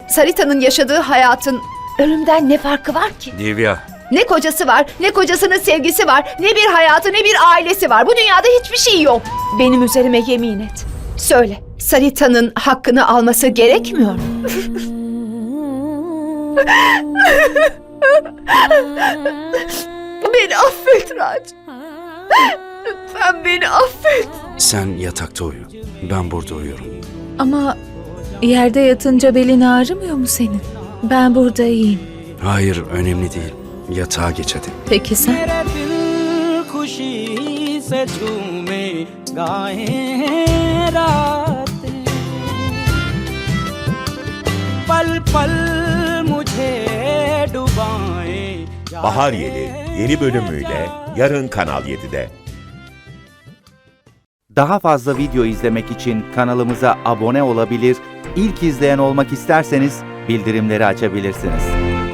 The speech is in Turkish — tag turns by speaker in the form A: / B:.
A: Sarita'nın yaşadığı hayatın ölümden ne farkı var ki?
B: Divya,
A: Ne kocası var, ne kocasının sevgisi var, ne bir hayatı, ne bir ailesi var. Bu dünyada hiçbir şey yok. Benim üzerime yemin et. Söyle, Sarita'nın hakkını alması gerekmiyor mu? Beni affet Raj. Lütfen beni affet.
B: sen yatakta uyu. Ben burada uyuyorum.
C: Ama yerde yatınca belin ağrımıyor mu senin? Ben burada iyiyim.
B: Hayır, önemli değil. Yatağa geç hadi.
C: Peki sen?
D: मेरे दिल खुशी से झूमे गाएं रातें पल पल मुझे डुबाएं
E: Bahar Yeli yeni bölümüyle yarın Kanal 7'de.
F: Daha fazla video izlemek için kanalımıza abone olabilir, ilk izleyen olmak isterseniz bildirimleri açabilirsiniz.